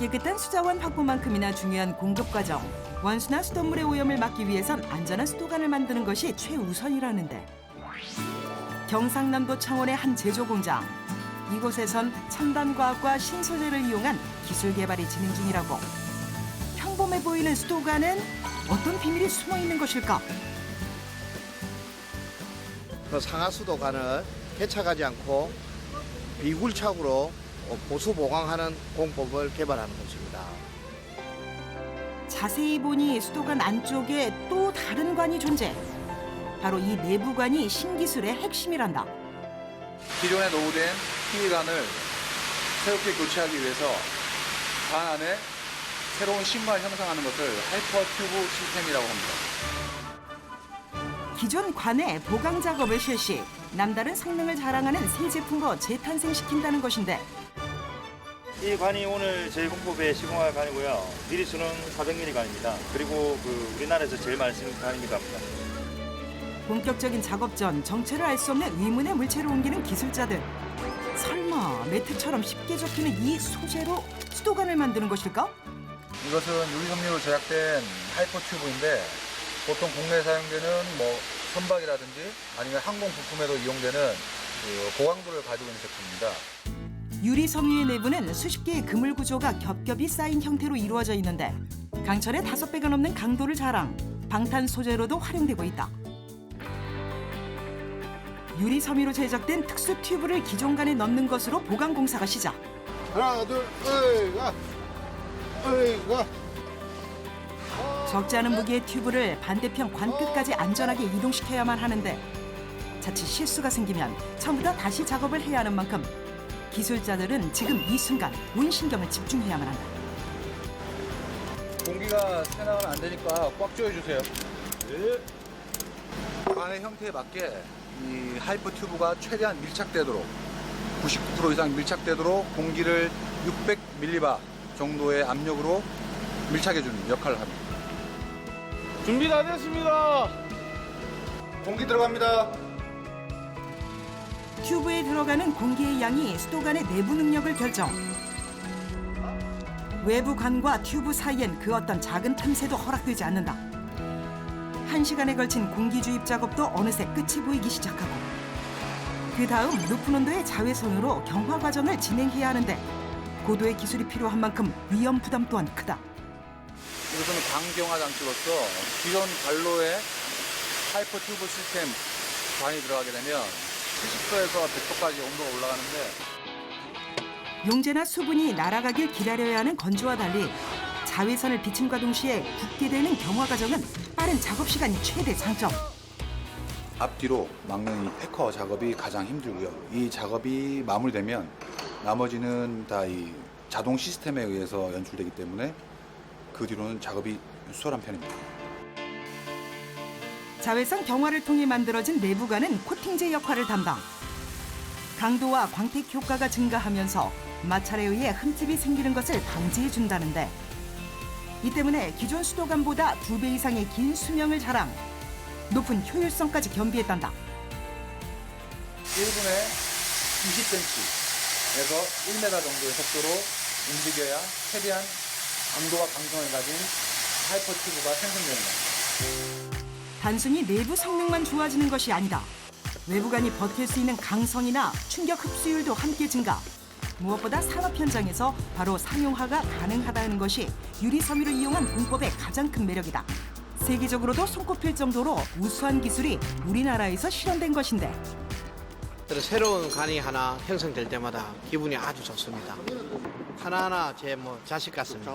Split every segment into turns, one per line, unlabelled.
깨끗한 수자원 확보만큼이나 중요한 공급 과정. 원수나 수돗물의 오염을 막기 위해선 안전한 수도관을 만드는 것이 최우선이라는데. 경상남도 창원의 한 제조 공장. 이곳에선 첨단 과학과 신소재를 이용한 기술 개발이 진행 중이라고. 평범해 보이는 수도관은 어떤 비밀이 숨어 있는 것일까?
그 상하수도관을 개척하지 않고 비굴착으로 보수 보강하는 공법을 개발하는 것입니다.
자세히 보니 수도관 안쪽에 또 다른 관이 존재. 바로 이 내부관이 신기술의 핵심이란다.
기존에 노후된 PE관을 새롭게 교체하기 위해서 관 안에 새로운 신발 형성하는 것을 하이퍼 튜브 시스템이라고 합니다.
기존 관의 보강 작업을 실시, 남다른 성능을 자랑하는 새 제품으로 재탄생시킨다는 것인데
이 관이 오늘 저희 공법에 시공할 관이고요. 미리수는 400mm 관입니다. 그리고 우리나라에서 제일 많이 쓰는 관이기도 합니다.
본격적인 작업 전 정체를 알 수 없는 위문의 물체를 옮기는 기술자들. 설마 매트처럼 쉽게 접히는 이 소재로 수도관을 만드는 것일까?
이것은 유리섬유로 제작된 하이퍼 튜브인데 보통 국내에 사용되는 선박이라든지 아니면 항공 부품에도 이용되는 고강도를 가지고 있는 제품입니다.
유리 섬유의 내부는 수십 개의 그물 구조가 겹겹이 쌓인 형태로 이루어져 있는데 강철의 5배가 넘는 강도를 자랑, 방탄 소재로도 활용되고 있다. 유리 섬유로 제작된 특수 튜브를 기존관에 넣는 것으로 보강 공사가 시작.
하나, 둘, 으이가, 으이가.
적지 않은 무게의 튜브를 반대편 관 끝까지 안전하게 이동시켜야만 하는데 자칫 실수가 생기면 처음부터 다시 작업을 해야 하는 만큼 기술자들은 지금 이 순간 온 신경을 집중해야만 한다.
공기가 새나가면 안 되니까 꽉 조여주세요. 네. 관의 형태에 맞게 이 하이퍼 튜브가 최대한 밀착되도록 99% 이상 밀착되도록 공기를 600mbar 정도의 압력으로 밀착해주는 역할을 합니다.
준비 다 됐습니다.
공기 들어갑니다.
튜브에 들어가는 공기의 양이 수도관의 내부 능력을 결정. 외부 관과 튜브 사이엔 그 어떤 작은 틈새도 허락되지 않는다. 1시간에 걸친 공기 주입 작업도 어느새 끝이 보이기 시작하고 그 다음 높은 온도의 자외선으로 경화 과정을 진행해야 하는데 고도의 기술이 필요한 만큼 위험 부담 또한 크다.
이것은 강경화 장치로서 기존 관로에 하이퍼 튜브 시스템 관이 들어가게 되면 70도에서 100도까지 온도가 올라가는데
용재나 수분이 날아가길 기다려야 하는 건조와 달리 자외선을 비침과 동시에 굳게 되는 경화 과정은 빠른 작업 시간이 최대 장점.
앞뒤로 막는 이 패커 작업이 가장 힘들고요. 이 작업이 마무리되면 나머지는 다 이 자동 시스템에 의해서 연출되기 때문에 그 뒤로는 작업이 수월한 편입니다.
자외선 경화를 통해 만들어진 내부관은 코팅제 역할을 담당. 강도와 광택 효과가 증가하면서 마찰에 의해 흠집이 생기는 것을 방지해 준다는데 이 때문에 기존 수도관보다 2배 이상의 긴 수명을 자랑, 높은 효율성까지 겸비했단다.
1분에 20cm에서 1m 정도의 속도로 움직여야 최대한 강도와 강성을 가진 하이퍼 튜브가 생성되는 겁니다.
단순히 내부 성능만 좋아지는 것이 아니다. 외부관이 버틸 수 있는 강성이나 충격 흡수율도 함께 증가. 무엇보다 산업 현장에서 바로 상용화가 가능하다는 것이 유리 섬유를 이용한 공법의 가장 큰 매력이다. 세계적으로도 손꼽힐 정도로 우수한 기술이 우리나라에서 실현된 것인데
새로운 관이 하나 형성될 때마다 기분이 아주 좋습니다. 하나하나 제 자식 같습니다.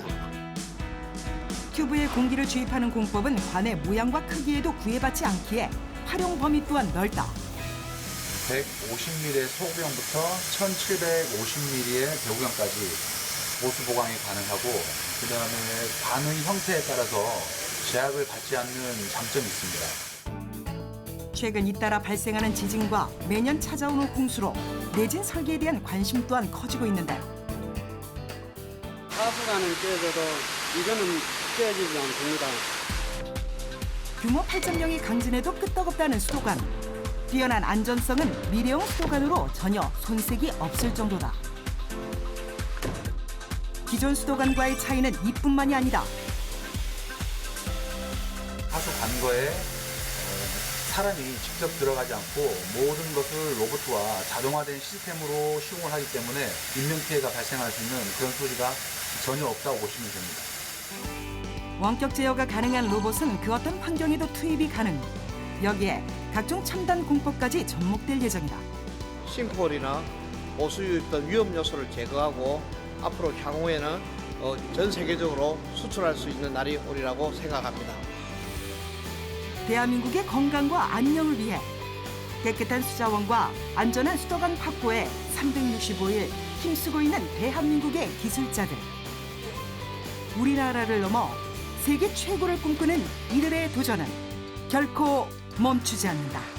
튜브에 공기를 주입하는 공법은 관의 모양과 크기에도 구애받지 않기에 활용 범위 또한 넓다.
150mm의 소구형부터 1750mm의 배구형까지 보수 보강이 가능하고 그다음에 관의 형태에 따라서 제약을 받지 않는 장점이 있습니다.
최근 잇따라 발생하는 지진과 매년 찾아오는 홍수로 내진 설계에 대한 관심 또한 커지고 있는데
하수관은 깨져도 이거는 깨지지 않습니다.
규모 8.0의 강진에도 끄떡없다는 수도관. 뛰어난 안전성은 미래형 수도관으로 전혀 손색이 없을 정도다. 기존 수도관과의 차이는 이뿐만이 아니다.
하수 관거에 사람이 직접 들어가지 않고 모든 것을 로봇과 자동화된 시스템으로 시공을 하기 때문에 인명피해가 발생할 수 있는 그런 소지가 전혀 없다고 보시면 됩니다.
원격 제어가 가능한 로봇은 그 어떤 환경에도 투입이 가능. 여기에 각종 첨단 공법까지 접목될 예정이다.
싱크홀이나 보수유 등 위험 요소를 제거하고 앞으로 향후에는 전 세계적으로 수출할 수 있는 날이 오리라고 생각합니다.
대한민국의 건강과 안녕을 위해 깨끗한 수자원과 안전한 수도관 확보에 365일 힘쓰고 있는 대한민국의 기술자들. 우리나라를 넘어 세계 최고를 꿈꾸는 이들의 도전은 결코 멈추지 않는다.